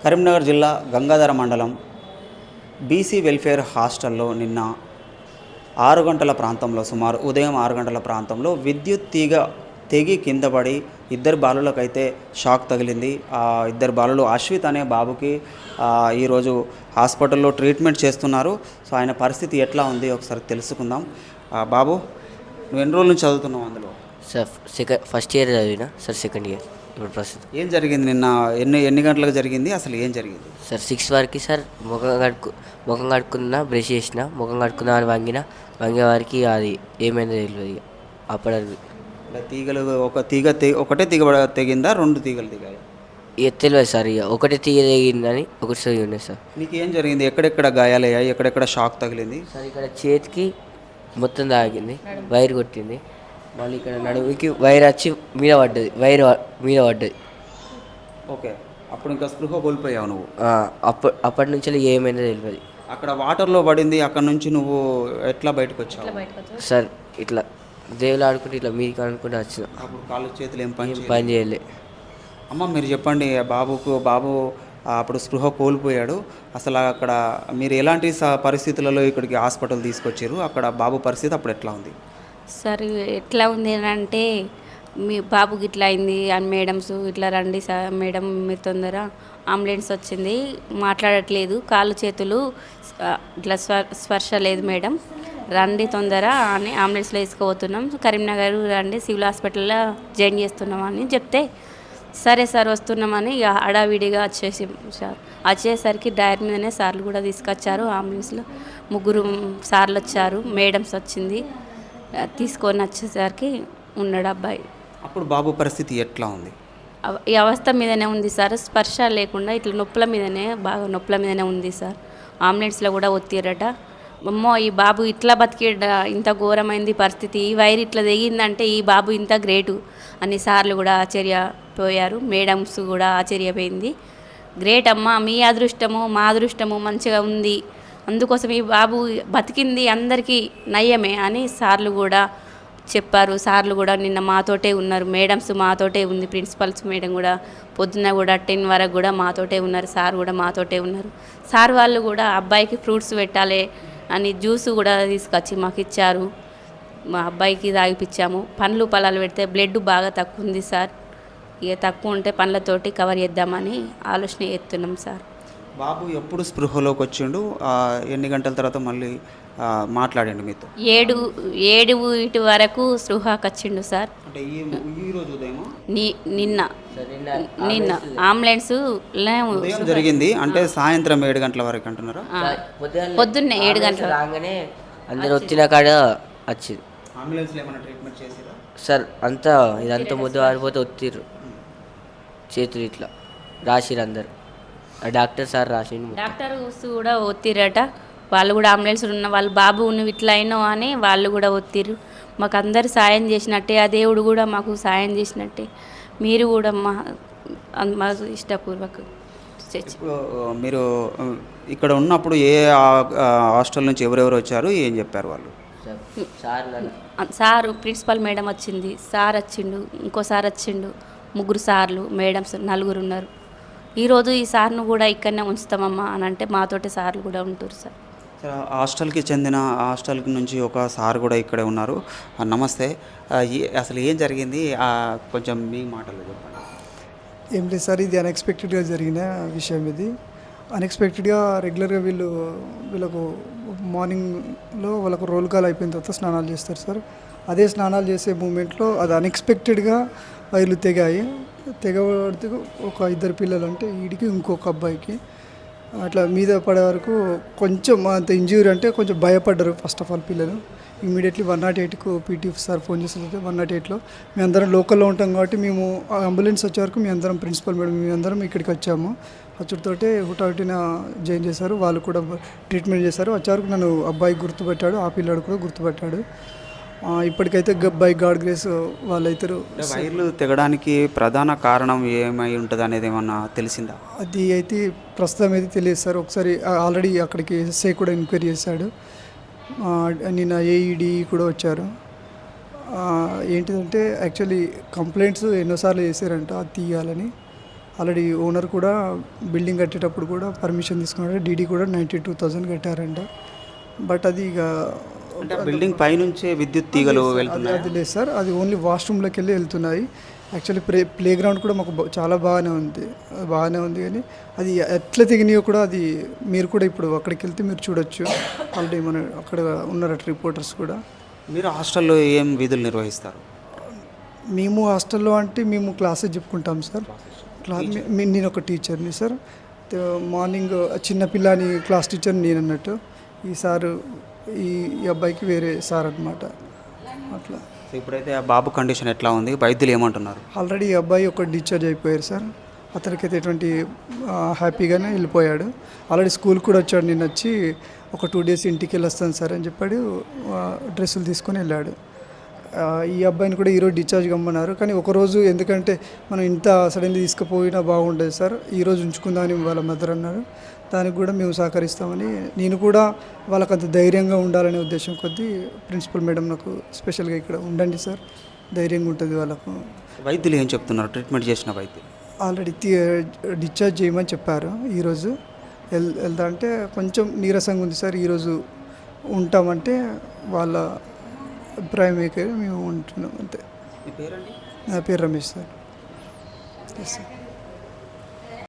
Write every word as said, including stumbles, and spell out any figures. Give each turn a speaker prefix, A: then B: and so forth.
A: కరీంనగర్ జిల్లా గంగాధర మండలం BC welfare హాస్టల్లో నిన్న ఆరు గంటల ప్రాంతంలో సుమారు ఉదయం ఆరు గంటల ప్రాంతంలో విద్యుత్ తీగ తెగి కింద పడి ఇద్దరు బాలులకైతే షాక్ తగిలింది. ఆ ఇద్దరు బాలులు అశ్విత్ అనే బాబుకి ఈరోజు హాస్పిటల్లో ట్రీట్మెంట్ చేస్తున్నారు. సో ఆయన పరిస్థితి ఎట్లా ఉంది ఒకసారి తెలుసుకుందాం. బాబు, నువ్వు ఎన్ని రోజుల నుంచి చదువుతున్నావు అందులో?
B: సార్ సెకండ్ ఫస్ట్ ఇయర్ చదివినా సార్, సెకండ్ ఇయర్ ఇప్పుడు ప్రస్తుతం.
A: ఏం జరిగింది నిన్న? ఎన్ని ఎన్ని గంటలకు జరిగింది? అసలు ఏం జరిగింది
B: సార్? సిక్స్ వరకు సార్ ముఖం కడుక్కు ముఖం కడుక్కున్నా, బ్రష్ చేసిన, ముఖం కడుక్కున్నా అని వంగిన వంగే వారికి అది ఏమైందో తెలియదు. అప్పటికి
A: తీగలు ఒక తీగ తె ఒకటే తీగ తెగిందా, రెండు తీగలు దిగాయి?
B: ఇక తెలియదు సార్. ఇక ఒకటే తీగ తెగిందని ఒకటి సరి ఉన్నాయి సార్.
A: నీకు ఏం జరిగింది? ఎక్కడెక్కడ గాయాలయ్యాయి? ఎక్కడెక్కడ షాక్ తగిలింది?
B: సార్ ఇక్కడ చేతికి మొత్తం తాగింది, వైర్ కొట్టింది. మళ్ళీ ఇక్కడ నడుముకి వైర్ వచ్చి మీద పడ్డది, వైర్ మీద పడ్డది.
A: ఓకే, అప్పుడు ఇంకా స్పృహ కోల్పోయావు నువ్వు?
B: అప్పటి అప్పటి నుంచి ఏమైందో తెలియదు.
A: అక్కడ వాటర్లో పడింది, అక్కడ నుంచి నువ్వు ఎట్లా బయటకు వచ్చావు?
B: సార్ ఇట్లా దేవులు ఆడుకుంటే ఇట్లా మీకు అనుకుంటే వచ్చిన.
A: అప్పుడు కాళ్ళు చేతులు ఏం పని
B: పని చేయలే.
A: అమ్మ, మీరు చెప్పండి, బాబుకు బాబు అప్పుడు స్పృహ కోల్పోయాడు. అసలు అక్కడ మీరు ఎలాంటి పరిస్థితులలో ఇక్కడికి హాస్పిటల్ తీసుకొచ్చారు? అక్కడ బాబు పరిస్థితి అప్పుడు ఎట్లా ఉంది?
C: సార్ ఎట్లా ఉంది అంటే, మీ బాబుకి ఇట్లా అయింది అని మేడమ్స్ ఇట్లా రండి సార్ మేడం, మీరు తొందర అంబులెన్స్ వచ్చింది, మాట్లాడట్లేదు, కాళ్ళు చేతులు ఇట్లా స్వ స్పర్శ లేదు మేడం, రండి తొందర అని అంబులెన్స్లో తీసుకుపోతున్నాం, కరీంనగర్ రండి సివిల్ హాస్పిటల్లో జాయిన్ చేస్తున్నాం అని చెప్తే, సరే సార్ వస్తున్నామని ఇక హడావిడిగా వచ్చేసి సార్ వచ్చేసరికి డైర్ మీదనే సార్లు కూడా తీసుకొచ్చారు. అంబులెన్స్లో ముగ్గురు సార్లు వచ్చారు, మేడమ్స్ వచ్చింది, తీసుకొని వచ్చేసరికి ఉన్నాడు అబ్బాయి.
A: అప్పుడు బాబు పరిస్థితి ఎట్లా ఉంది?
C: ఈ అవస్థ మీదనే ఉంది సార్, స్పర్శ లేకుండా ఇట్లా నొప్పుల మీదనే, బాగా నొప్పుల మీదనే ఉంది సార్. అంబులెన్స్లో కూడా ఒత్తిరట. అమ్మో, ఈ బాబు ఇట్లా బతికేట, ఇంత ఘోరమైంది పరిస్థితి, ఈ వైర్ ఇట్లా తెగిందంటే ఈ బాబు ఇంత గ్రేటు అని సార్లు కూడా ఆశ్చర్యపోయారు, మేడమ్స్ కూడా ఆశ్చర్యపోయింది. గ్రేట్ అమ్మ, మీ అదృష్టము మా అదృష్టము మంచిగా ఉంది, అందుకోసం ఈ బాబు బతికింది అందరికీ నయ్యమే అని సార్లు కూడా చెప్పారు. సార్లు కూడా నిన్న మాతోటే ఉన్నారు, మేడమ్స్ మాతోటే ఉంది, ప్రిన్సిపల్స్ మేడం కూడా పొద్దున్న కూడా టెన్ వరకు కూడా మాతోటే ఉన్నారు, సార్ కూడా మాతోటే ఉన్నారు. సార్ వాళ్ళు కూడా అబ్బాయికి ఫ్రూట్స్ పెట్టాలి అని జ్యూస్ కూడా తీసుకొచ్చి మాకు ఇచ్చారు, మా అబ్బాయికి తాగిపించాము. పండ్లు పొలాలు పెడితే బ్లడ్ బాగా తక్కువ ఉంది సార్, ఇక తక్కువ ఉంటే పండ్లతోటి కవర్ చేద్దామని ఆలోచన చేస్తున్నాం సార్.
A: బాబు ఎప్పుడు స్పృహలోకి వచ్చిండు? ఎన్ని గంటల తర్వాత మళ్ళీ మాట్లాడండి మీతో?
C: ఏడు ఏడు ఇటు వరకు స్పృహకి వచ్చిండు సార్.
A: అంటే ఈ రోజు ఉదయమా?
C: నిన్న నిన్న అంబులెన్స్
A: జరిగింది అంటే సాయంత్రం ఏడు గంటల వరకు అంటున్నారా?
C: పొద్దున్నే ఏడు గంటల
B: రాగానే అందరు వచ్చిన కాడ వచ్చింది.
A: అంబులెన్స్లో ఏమైనా ట్రీట్మెంట్ చేసిరా
B: సార్? అంతా ఇదంతా ముద్దు ఆడిపోతే ఒత్తిర్రు, చేతులు ఇట్లా రాసిరు అందరు, డాక్టర్ సార్ రాసిండు.
C: డాక్టర్ కూడా ఒత్తిరట, వాళ్ళు కూడా అంబులెన్స్ ఉన్న వాళ్ళు, బాబు నువ్వు ఇట్లా అయినావు అని వాళ్ళు కూడా ఒత్తిరు. మాకు అందరు సాయం చేసినట్టే, ఆ దేవుడు కూడా మాకు సాయం చేసినట్టే, మీరు కూడా మా మాకు ఇష్టపూర్వక.
A: మీరు ఇక్కడ ఉన్నప్పుడు ఏ హాస్టల్ నుంచి ఎవరెవరు వచ్చారు, ఏం చెప్పారు వాళ్ళు?
C: సారు ప్రిన్సిపల్ మేడం వచ్చింది, సార్ వచ్చిండు, ఇంకో సార్ వచ్చిండు, ముగ్గురు సార్లు మేడమ్స్ నలుగురు ఉన్నారు. ఈరోజు ఈ సార్ను కూడా ఇక్కడనే ఉంచుతామమ్మా అని అంటే మాతోటి సార్లు కూడా ఉంటారు సార్.
A: హాస్టల్కి చెందిన హాస్టల్ నుంచి ఒక సార్ కూడా ఇక్కడే ఉన్నారు. నమస్తే, అసలు ఏం జరిగింది కొంచెం మీ మాటలు చెప్పండి.
D: ఏం లేదు సార్, ఇది అన్ఎక్స్పెక్టెడ్గా జరిగిన విషయం. ఇది అన్ఎక్స్పెక్టెడ్గా రెగ్యులర్గా వీళ్ళు వీళ్ళకు మార్నింగ్లో వాళ్ళకు రోల్ కాల్ అయిపోయిన తర్వాత స్నానాలు చేస్తారు సార్. అదే స్నానాలు చేసే మూమెంట్లో అది అన్ఎక్స్పెక్టెడ్గా వైర్లు తెగాయి. తెగబడితే ఒక ఇద్దరు పిల్లలు, అంటే వీడికి ఇంకొక అబ్బాయికి అట్లా మీద పడే వరకు కొంచెం అంత ఇంజ్యూరీ, అంటే కొంచెం భయపడ్డారు ఫస్ట్ ఆఫ్ ఆల్ పిల్లలు. ఇమీడియట్లీ వన్ నాట్ ఎయిట్కు పీటీ సార్ ఫోన్ చేస్తుంటే వన్ నాట్ ఎయిట్లో మేము అందరం లోకల్లో ఉంటాం కాబట్టి మేము అంబులెన్స్ వచ్చే వరకు మేము అందరం ప్రిన్సిపల్ మేడం మేము అందరం ఇక్కడికి వచ్చాము. వచ్చుడితోటే హుటాహుటిన జాయిన్ చేశారు, వాళ్ళు కూడా ట్రీట్మెంట్ చేశారు. వచ్చే వరకు నన్ను అబ్బాయి గుర్తుపెట్టాడు, ఆ పిల్లాడు కూడా గుర్తుపెట్టాడు. ఇప్పటికైతే బై గాడ్ గ్రేస్ వాళ్ళైతారు.
A: వైర్లు తెగడానికి ప్రధాన కారణం ఏమై ఉంటుంది అనేది ఏమన్నా తెలిసిందా?
D: అది అయితే ప్రస్తుతం అయితే తెలియదు సార్. ఒకసారి ఆల్రెడీ అక్కడికి ఎస్ఐ కూడా ఎంక్వైరీ చేశాడు, నిన్న ఏఈడి కూడా వచ్చారు. ఏంటిదంటే యాక్చువల్లీ కంప్లైంట్స్ ఎన్నోసార్లు చేశారంట అది తీయాలని. ఆల్రెడీ ఓనర్ కూడా బిల్డింగ్ కట్టేటప్పుడు కూడా పర్మిషన్ తీసుకున్నాడు, డీడీ కూడా నైంటీ టూ థౌజండ్ కట్టారంట. బట్ అది ఇక
A: అంటే బిల్డింగ్ పైనుంచే విద్యుత్ తీగలు
D: అది
A: వెళ్తున్నాయి.
D: అది లేదు సార్, అది ఓన్లీ వాష్రూమ్లోకి వెళ్ళి వెళ్తున్నాయి. యాక్చువల్లీ ప్లే ప్లే గ్రౌండ్ కూడా మాకు బా- చాలా బాగానే ఉంది, అది బాగానే ఉంది. కానీ అది ఎట్లా తెగినాయో కూడా అది మీరు కూడా ఇప్పుడు అక్కడికి వెళ్తే మీరు చూడొచ్చు. ఆల్రెడీ మన అక్కడ ఉన్నారట రిపోర్టర్స్ కూడా.
A: మీరు హాస్టల్లో ఏం విధులు నిర్వహిస్తారు?
D: మేము హాస్టల్లో అంటే మేము క్లాసెస్ చెప్పుకుంటాం సార్. క్లా మీ- నేను ఒక టీచర్ని సార్. తే- మార్నింగ్ చిన్న పిల్లని క్లాస్ టీచర్ నేను అన్నట్టు. ఈ సారు ఈ ఈ అబ్బాయికి వేరే సార్ అనమాట. అట్లా
A: సో ఇప్పుడైతే ఆ బాబు కండిషన్ ఎట్లా ఉంది, వైద్యులు ఏమంటున్నారు?
D: ఆల్రెడీ ఈ అబ్బాయి ఒక డిశ్చార్జ్ అయిపోయారు సార్. అతనికైతే ఎటువంటి ఆ, హ్యాపీగానే వెళ్ళిపోయాడు. ఆల్రెడీ స్కూల్ కూడా వచ్చాడు, నిన్న వచ్చి ఒక టూ డేస్ ఇంటికి వెళ్ళి వస్తాను సార్ అని చెప్పాడు. ఆ, డ్రెస్సులు తీసుకొని వెళ్ళాడు. ఆ, ఈ అబ్బాయిని కూడా ఈరోజు డిశ్చార్జ్ కమ్మన్నారు. కానీ ఒకరోజు ఎందుకంటే మనం ఇంత సడన్లీ తీసుకుపోయినా బాగుండేది సార్, ఈరోజు ఉంచుకుందామని వాళ్ళ మదర్ అన్నారు. దానికి కూడా మేము సహకరిస్తామని, నేను కూడా వాళ్ళకి అంత ధైర్యంగా ఉండాలనే ఉద్దేశం కొద్దీ ప్రిన్సిపల్ మేడం నాకు స్పెషల్గా ఇక్కడ ఉండండి సార్, ధైర్యంగా ఉంటుంది వాళ్ళకు.
A: వైద్యులు ఏం చెప్తున్నారు, ట్రీట్మెంట్ చేసిన వైద్యులు?
D: ఆల్రెడీ డిశ్చార్జ్ చేయమని చెప్పారు. ఈరోజు వెల్ వెళ్తా అంటే కొంచెం నీరసంగా ఉంది సార్, ఈరోజు ఉంటామంటే వాళ్ళ అభిప్రాయం ఏకే మేము ఉంటున్నాం అంతే.
A: మీ పేరండి?
D: నా పేరు రమేష్ సార్. Yes sir.